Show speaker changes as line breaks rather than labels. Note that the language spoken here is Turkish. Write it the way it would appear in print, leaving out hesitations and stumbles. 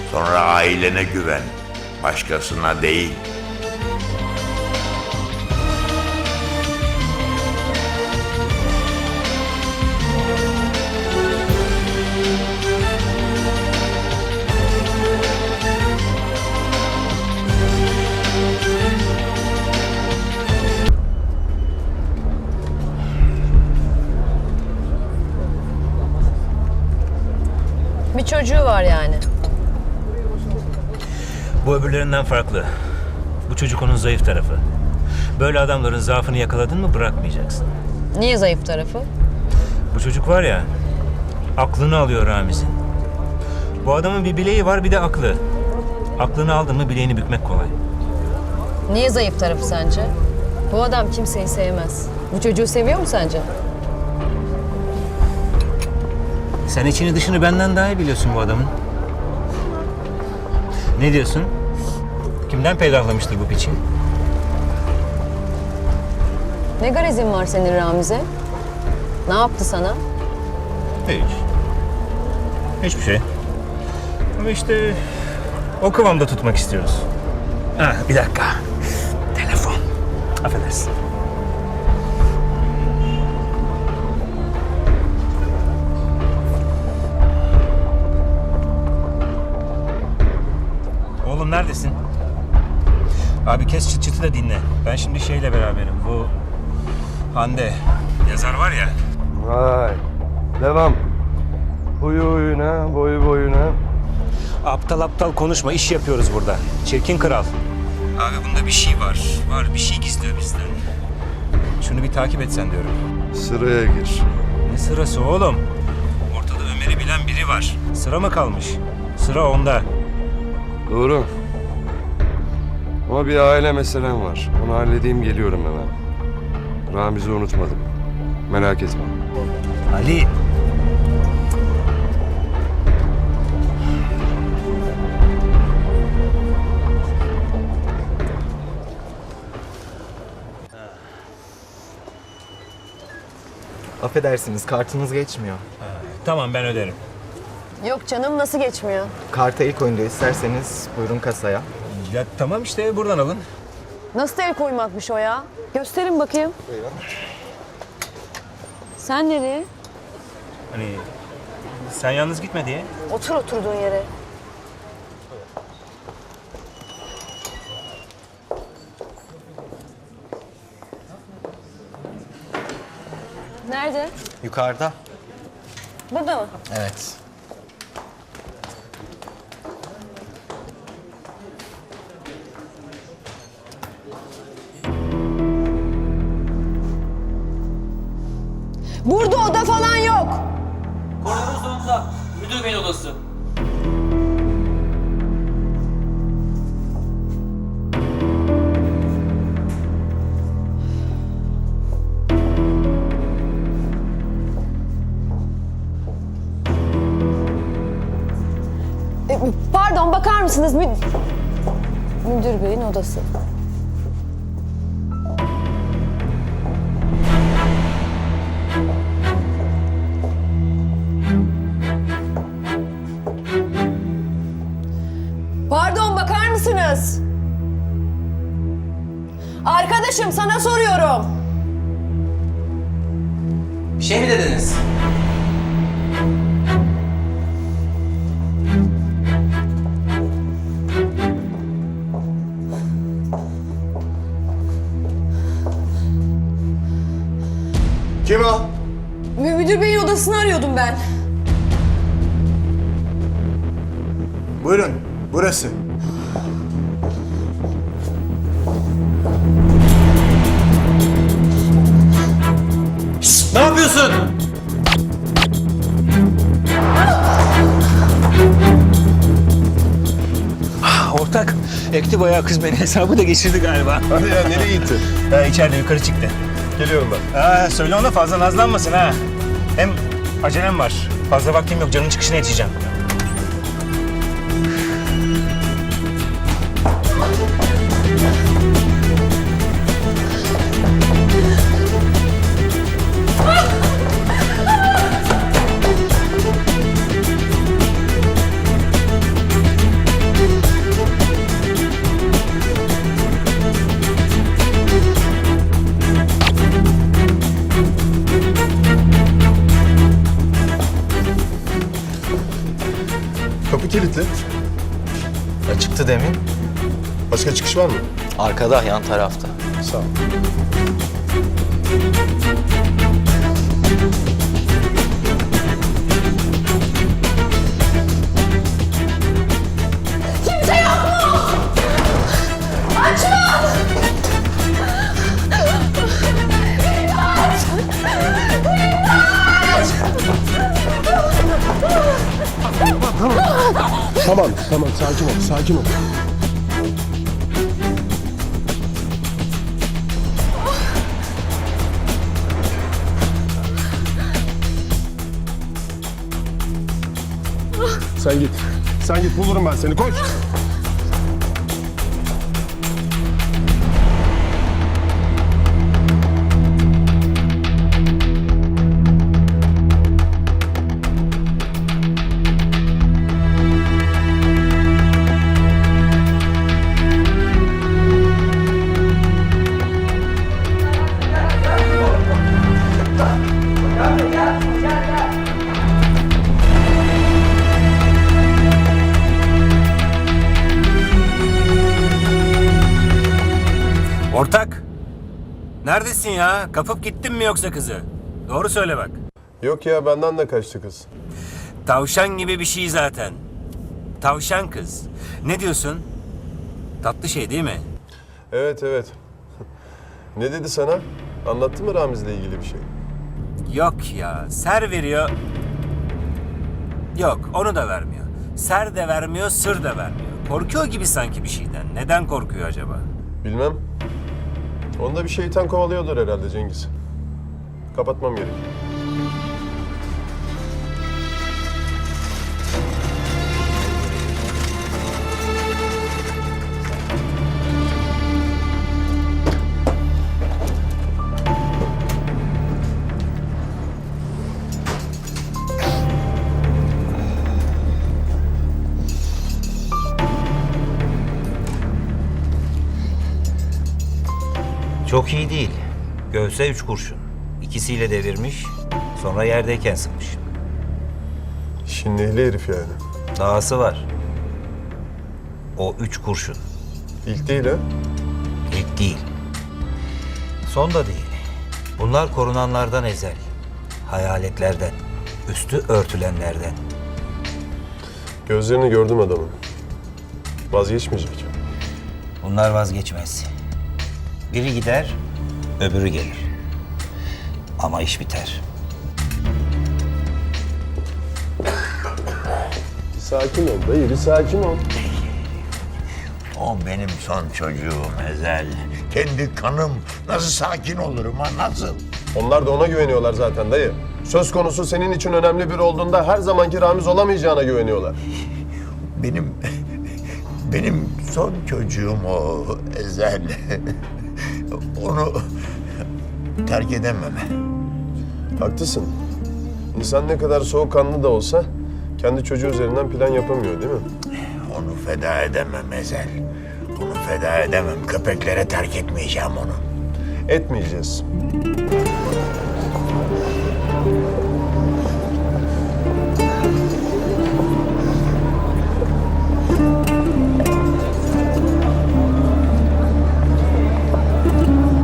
Sonra ailene güven, başkasına değil.
Bir çocuğu var yani.
Bu öbürlerinden farklı. Bu çocuk onun zayıf tarafı. Böyle adamların zaafını yakaladın mı bırakmayacaksın.
Niye zayıf tarafı?
Bu çocuk var ya, aklını alıyor Ramiz'in. Bu adamın bir bileği var, bir de aklı. Aklını aldın mı bileğini bükmek kolay.
Niye zayıf tarafı sence? Bu adam kimseyi sevmez. Bu çocuğu seviyor mu sence?
Sen içini dışını benden daha iyi biliyorsun bu adamın. Ne diyorsun? Kimden peydahlamıştır bu piçi?
Ne garezin var senin Ramiz'e? Ne yaptı sana?
Hiç. Hiçbir şey. Ama işte o kıvamda tutmak istiyoruz. Ha, bir dakika. Telefon. Affedersin. Oğlum neredesin? Abi kes çıt çıtı da dinle. Ben şimdi şeyle beraberim. Bu Hande. Yazar var ya.
Vay. Devam. Huyu huyuna, boyu boyuna.
Aptal aptal konuşma. İş yapıyoruz burada. Çirkin kral. Abi bunda bir şey var. Bir şey gizliyor bizden. Şunu bir takip etsen diyorum.
Sıraya gir.
Ne sırası oğlum? Ortada Ömer'i bilen biri var. Sıra mı kalmış? Sıra onda.
Doğru. Ama bir aile meselem var. Onu halledeyim, geliyorum hemen. Ramiz'i unutmadım. Merak etme.
Ali.
Affedersiniz, kartınız geçmiyor.
Tamam ben öderim.
Yok canım, nasıl geçmiyor?
Karta ilk oyunda isterseniz buyurun kasaya.
Ya tamam işte buradan alın.
Nasıl el koymakmış o ya? Gösterin bakayım.
Buyurun.
Sen nereye?
Hani sen yalnız gitme diye.
Otur oturduğun yere. Nerede?
Yukarıda.
Burada mı?
Evet.
Burada oda falan yok.
Koridorun sonunda müdür beyin odası.
Pardon, bakar mısınız? Müdür beyin odası. Pardon, bakar mısınız? Arkadaşım, sana soruyorum.
Bir şey mi dediniz?
Kim o?
Müdür beyin odasını arıyordum ben.
Buyurun, burası.
Ne yapıyorsun?
Ortak ekti bayağı kız beni. Hesabı da geçirdi galiba.
Hadi ya, nereye gitti?
Ha, içeride yukarı çıktı.
Geliyorum ben.
Ha, söyle ona fazla nazlanmasın ha. Hem acelem var. Fazla vaktim yok. Canın çıkışına yetişeceğim.
Kapı kilitli.
Açıktı demin.
Başka çıkış var mı?
Arkada, yan tarafta.
Sağ ol. Tamam, sakin ol, sakin ol. Sen git, bulurum ben seni, koş.
Ortak! Neredesin ya? Kapıp gittin mi yoksa kızı? Doğru söyle bak.
Yok ya, benden de kaçtı kız.
Tavşan gibi bir şey zaten. Tavşan kız. Ne diyorsun? Tatlı şey değil mi?
Evet. Ne dedi sana? Anlattı mı Ramiz'le ilgili bir şey?
Yok ya. Ser veriyor. Yok, onu da vermiyor. Ser de vermiyor, sır da vermiyor. Korkuyor gibi sanki bir şeyden. Neden korkuyor acaba?
Bilmem. Onda bir şeytan kovalıyordur herhalde Cengiz. Kapatmam gerek.
Çok iyi değil. Göğse 3 kurşun. İkisiyle devirmiş, sonra yerdeyken sıkmış.
İşin ehli herif yani.
Dahası var. O 3 kurşun.
İlk değil ha?
İlk değil. Son da değil. Bunlar korunanlardan ezel. Hayaletlerden. Üstü örtülenlerden.
Gözlerini gördüm adamın. Vazgeçmeyecek.
Bunlar vazgeçmez. Biri gider, öbürü gelir. Ama iş biter.
Bir sakin ol dayı, bir sakin ol.
O benim son çocuğum Ezel. Kendi kanım. Nasıl sakin olurum ha, nasıl?
Onlar da ona güveniyorlar zaten dayı. Söz konusu senin için önemli biri olduğunda her zamanki Ramiz olamayacağına güveniyorlar.
Benim son çocuğum o Ezel. Onu terk edemem.
Haklısın. İnsan ne kadar soğukkanlı da olsa kendi çocuğu üzerinden plan yapamıyor değil mi?
Onu feda edemem Ezel. Onu feda edemem. Köpeklere terk etmeyeceğim onu.
Etmeyeceğiz.